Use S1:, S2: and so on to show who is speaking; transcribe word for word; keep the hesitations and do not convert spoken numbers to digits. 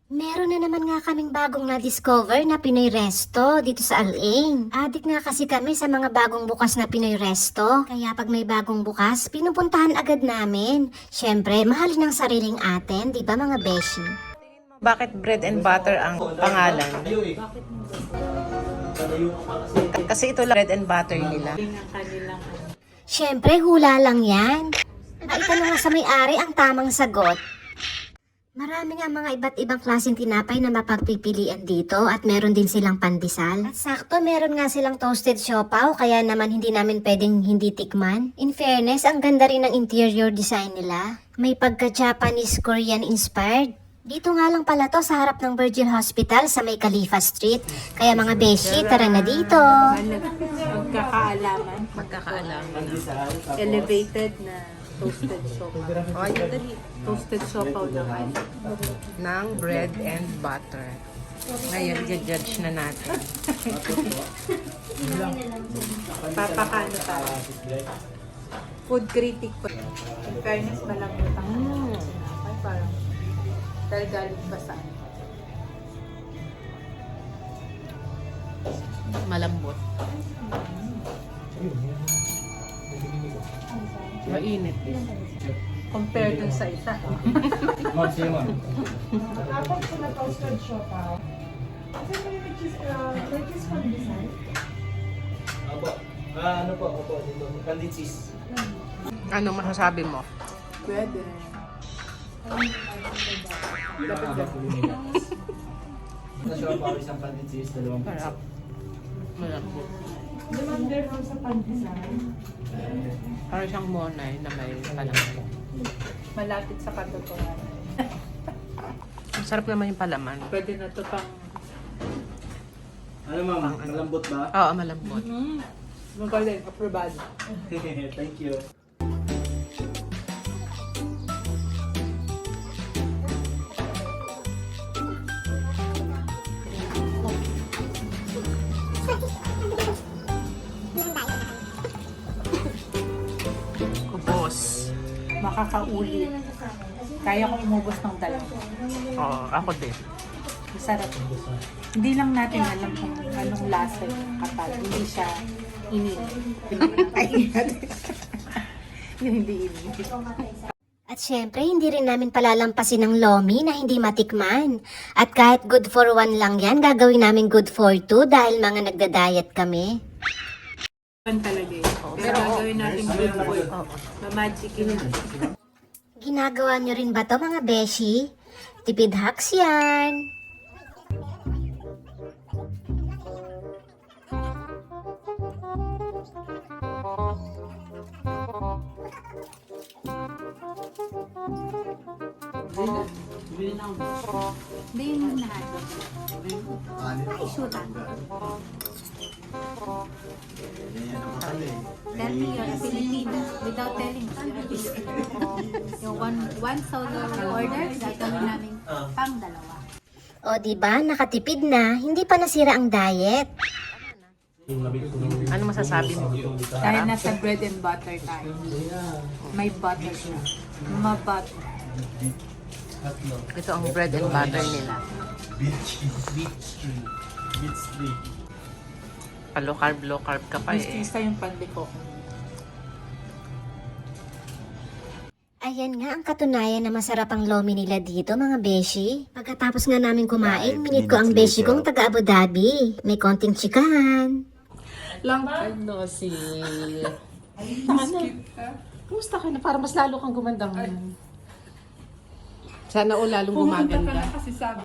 S1: Meron na naman nga kaming bagong na-discover na Pinoy Resto dito sa Al-Ain. Adik nga kasi kami sa mga bagong bukas na Pinoy Resto. Kaya pag may bagong bukas, pinupuntahan agad namin. Siyempre, mahalin ang sariling atin, di ba mga beshi?
S2: Bakit bread and butter ang pangalan? Kasi ito lang bread and butter nila.
S1: Siyempre, hula lang yan. Maitanong nga sa may-ari ang tamang sagot. Marami nga mga iba't ibang klaseng tinapay na mapagpipilian dito at meron din silang pandesal. At sakto meron nga silang toasted siopaw kaya naman hindi namin pwedeng hindi tikman. In fairness, ang ganda rin ng interior design nila. May pagka-Japanese Korean inspired. Dito nga lang pala to sa harap ng Virgin Hospital sa may Khalifa Street. Kaya mga beshi, tara na dito.
S3: Magkakaalaman.
S2: Magkakaalaman.
S3: Elevated na toasted siopaw.
S2: O, ayun dali.
S3: Toasted siopaw naman.
S2: Ng bread and butter. Ngayon, judge na natin.
S3: Papakano tayo. Food critic po. In fairness, malambot ang
S2: Mm.
S3: sinapay. Parang dahil galing pa sa ano.
S2: Malambot. Mainit.
S3: Compare dun sa isa.
S4: Ma'am, siya ma'am.
S5: Tapos ko na toasted siopaw. Kasi may which is, uh, which is pandesal.
S4: Opo. Ah, ano po, opo, dito. Candied cheese.
S2: Ano masasabi mo?
S3: Pwede.
S4: Yun ang abang ko nila. Ito siya pa isang candied cheese, dalawang pizza.
S2: Sarap. Malambot.
S5: Limang dirham sa pandesal.
S2: Parang siyang monay na may palaman.
S3: Malapit sa katotohanan.
S2: Ang sarap naman yung palaman.
S3: Pwede na to pang...
S4: Ano ma'am, malambot ba?
S2: Oo, malambot.
S3: Mm. Magaling, aprobado.
S4: Thank you.
S2: Kubos.
S3: Makakauli. Kaya ko umubos ng dalawa.
S2: Oo, ako din.
S3: Masarap. Hindi lang natin alam kung anong lasa yung katal. Hindi siya init. Yung hindi init.
S1: At syempre, hindi rin namin palalampasin ng lomi na hindi matikman. At kahit good for one lang yan, gagawin namin good for two dahil mga nagda-diet kami.
S3: Pan talaga yun. Pero gagawin natin good for it. Ma-magic yun.
S1: Ginagawa nyo rin ba to mga beshi? Tipid hacks yan.
S3: Hindi yun lahat. Ay, shoota. Tell me you're a Filipino without telling us you're a Filipino. Yung one, one solo order, gagawin namin pang dalawa.
S1: O di ba nakatipid na, hindi pa nasira ang diet.
S2: Ano masasabi mo?
S3: Dahil nasa bread and butter tayo. May butter siya. Ma-butter.
S2: Ito ang bread and butter nila.
S4: Beach, beach tree. Beach tree.
S2: Pa-low carb, low carb ka pa eh.
S3: Mistisa yung pandeko.
S1: Ayan nga ang katunayan na masarap ang lomi nila dito mga beshi. Pagkatapos nga namin kumain, minute ko ang beshi kong taga Abu Dhabi. May konting chikahan.
S2: Long time no see. Ano? Kumusta ka na? Para mas lalo kang gumanda ngayon. Sana o lalong gumaganda.